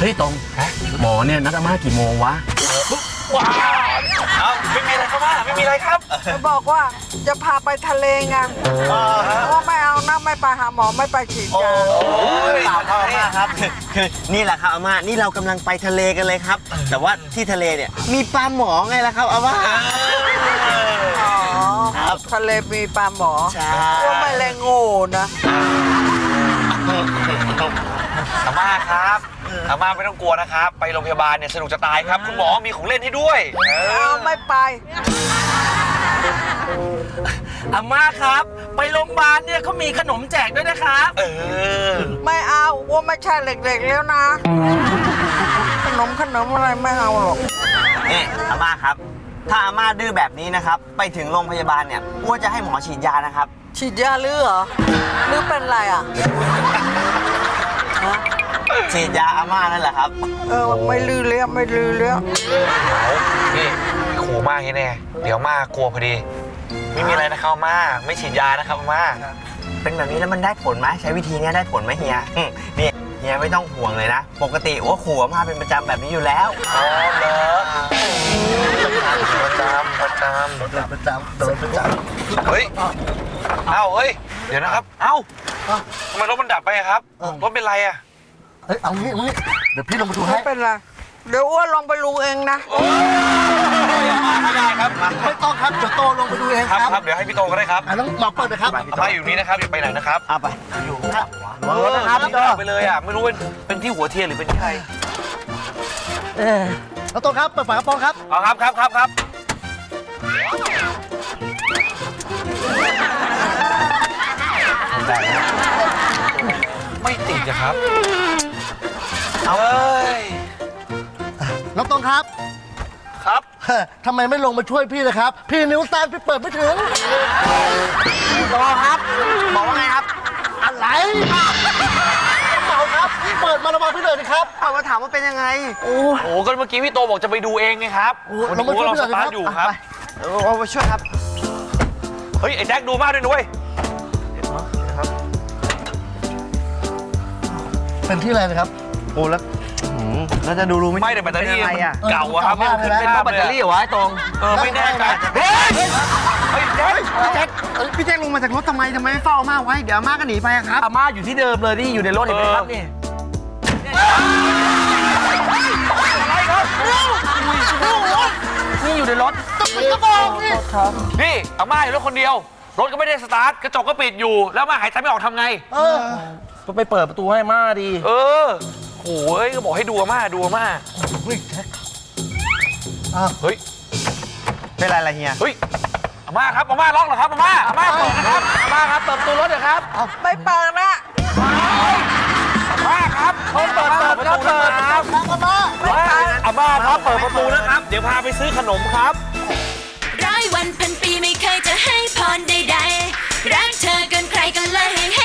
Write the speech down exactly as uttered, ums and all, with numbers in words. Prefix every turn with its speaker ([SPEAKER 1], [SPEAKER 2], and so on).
[SPEAKER 1] ฮ้ยตรงหมอเนี่ยนัดอาม่ากี่โมงวะ
[SPEAKER 2] ว้าวเอาไม่มีอะไรครับว่าไม่มีอะไรครับ
[SPEAKER 3] จะบอกว่าจะพาไปทะเลไงว่าไม่เอานะไม่ไปหาหมอไม่ไปฉีดยา
[SPEAKER 2] โอ้ย
[SPEAKER 4] เปล่าครับอาม่าครับคือคือนี่แหละครับอาม่านี่เรากำลังไปทะเลกันเลยครับ แต่ว่าที่ทะเลเนี่ยมีปลาหมอไงล่ะครับอาม่า
[SPEAKER 3] อ๋อทะเลมีปลาหมอ
[SPEAKER 4] ใช่
[SPEAKER 3] ว่าไม่เลยโง่นะ
[SPEAKER 2] อาม่าครับอาม่าไม่ต้องกลัวนะครับไปโรงพยาบาลเนี่ยสนุกจะตายครับคุณหมอมีของเล่นให้ด้วยเอ
[SPEAKER 3] เอา
[SPEAKER 2] อ
[SPEAKER 3] ไม่ไป
[SPEAKER 1] อาม่าครับไปโรงพยาบาลเนี่ยเขามีขนมแจกด้วยนะครับ
[SPEAKER 2] เออ
[SPEAKER 3] ไม่เอาว่าไม่ใช่เด็กๆแล้วนะ ขนมขนมอะไรไม่เอาหรอก
[SPEAKER 4] นี่อาม่าครับ ถ้าอาม่าดื้อแบบนี้นะครับไปถึงโรงพยาบาลเนี่ยอ้วนจะให้หมอฉีดยานะครับ
[SPEAKER 3] ฉีดยาหรือเหรอหรือเป็นไรอ่ะ
[SPEAKER 4] ฉีดยาอาม่านั่นแหละครับ
[SPEAKER 3] เออไม่ลือเลี้ยไม่ลือเลี้ย
[SPEAKER 2] นี่ขู่มากแน่เดี๋ยวมากกลัวพอดีไม่มีอะไรนะครับอาม่าไม่ฉีดยานะครับอาม่า
[SPEAKER 4] เป็นแบบนี้แล้วมันได้ผลไหมใช้วิธีนี้ได้ผลไหมเฮียอืมนี่เฮียไม่ต้องห่วงเลยนะ ปกติว่าขู่อาม่าเป็นประจำแบบนี้อยู่แล้ว
[SPEAKER 2] อ๋อเหรอประจำประจำ
[SPEAKER 4] ประจำโดนประจำ
[SPEAKER 2] เฮ้ยเอ้าเฮ้ยเดี๋ยวนะครับเอ้าทำไมรถมันดับไปอะครับรถเป็นไรอะ
[SPEAKER 5] เฮ้ยเอางี้เอางี้เดี๋ยวพี่ลงมาดูให้
[SPEAKER 3] ไม่เป็นไรเดี๋ยวอ้วนลองไปรูเองนะ
[SPEAKER 2] ไม่ได้ครับ
[SPEAKER 5] ไม่ต้องครับเดี๋ยวโตลงไปดูเอง
[SPEAKER 2] ครับ
[SPEAKER 5] ครับ
[SPEAKER 2] ครับเดี๋ยวให้พี่โตก็ได้ครับ
[SPEAKER 5] อ่ะต้องมาเปิดเลยครับ
[SPEAKER 2] อาม่าอยู่นี่นะครับอย่าไปไหนนะครับ
[SPEAKER 4] เอาไป
[SPEAKER 5] เออนะครับพี่โต
[SPEAKER 2] ดับไปเลยอะไม่รู้เป็นเป็นที่หัวเทียนหรือเป็นที่ใคร
[SPEAKER 5] เออแล้วโตครับเปิดฝากระโปรงครับ
[SPEAKER 2] เอาครับครับครับครับไม่ติดนะครับเอาเอ้ย
[SPEAKER 5] น้องตรงครับ
[SPEAKER 2] ครับ
[SPEAKER 5] เฮ้ยทำไมไม่ลงมาช่วยพี่เลยครับ พี่นิ้วสั้นพี่เปิดไม่ถึง
[SPEAKER 4] โตครับบอกว่าไงครับ
[SPEAKER 5] อะไรเปล่าครับเปิดมาระวังพี่เลยนะครับ
[SPEAKER 4] เอามาถามว่าเป็นยังไง
[SPEAKER 5] โอ้
[SPEAKER 2] โอ้ก็เมื่อกี้พี่โตบอกจะไปดูเองไงครับ
[SPEAKER 5] โอ้ลงมาช่วย
[SPEAKER 2] เรา
[SPEAKER 5] พี่หน่
[SPEAKER 2] ส
[SPEAKER 5] อย
[SPEAKER 2] ตา
[SPEAKER 5] ค
[SPEAKER 2] ร์
[SPEAKER 5] รั
[SPEAKER 2] ท
[SPEAKER 5] บ
[SPEAKER 2] อยู่ครับ
[SPEAKER 4] เอามาช่วยครับ
[SPEAKER 2] เฮ้ยไอ้แจ็คดูมากด้วยนุ้ย
[SPEAKER 5] เป็นที่อะไรนะครับ
[SPEAKER 4] โอ้แล้วแล้วจะดูรู้ไหม
[SPEAKER 2] ไม่แต่แบตเตอรี่
[SPEAKER 4] เป็นอะไร
[SPEAKER 2] มัน
[SPEAKER 4] อ่ะ
[SPEAKER 2] เก่าอะครับ
[SPEAKER 5] เออ
[SPEAKER 2] ขึ้
[SPEAKER 5] เป็น
[SPEAKER 2] ภาพ
[SPEAKER 4] แบตเตอรี่เหรอวะไอ้ตรง
[SPEAKER 2] เออไม่แน่ใจเฮ้ยเฮ้ยแจ็ค
[SPEAKER 4] พี่แจ็คพี่แจ็คลงมาจากรถทำไมทำไมไม่เฝ้าอาม่าไว้เดี๋ยวอาม่าก็หนีไปอะครับ
[SPEAKER 1] อาม่าอยู่ที่เดิมเลยที่อยู่ในรถเห็นไหมครับนี่
[SPEAKER 2] อะไรครับ
[SPEAKER 1] นี่อยู่ในรถ
[SPEAKER 2] นี่อาม่าอยู่รถคนเดียวรถก็ไม่ได้สตาร์ทกระจกก็ปิดอยู่แล้วอาม่าหายใจไม่ออกทำไง
[SPEAKER 5] เออ
[SPEAKER 1] ก็ไปเปิดประตูให้อาม่าดี
[SPEAKER 2] เออโอ้ยก็บอกให้ดูอาม่าดูอาม่า
[SPEAKER 5] เฮ้ยแจ็คอ้าว
[SPEAKER 2] เฮ้ย
[SPEAKER 4] เป็นไรล่ะเฮีย
[SPEAKER 2] เฮ้ยอาม่าครับอาม่าล็อกเหรอครับอาม่าอาม่าเปิดนะครับอาม่าครับเปิดประตูรถหน่อยครับ
[SPEAKER 3] ไม่เปิดนะ
[SPEAKER 2] อาม่าครับเปิดเปิดเปิดประตูนะครับ
[SPEAKER 5] อาม่า
[SPEAKER 2] อาม่าครับเปิดประตูนะครับเดี๋ยวพาไปซื้อขนมครับ
[SPEAKER 6] ร้อยวันพันปีไม่เคยจะให้พรใดๆรักเธอเกินใครก็เลยให้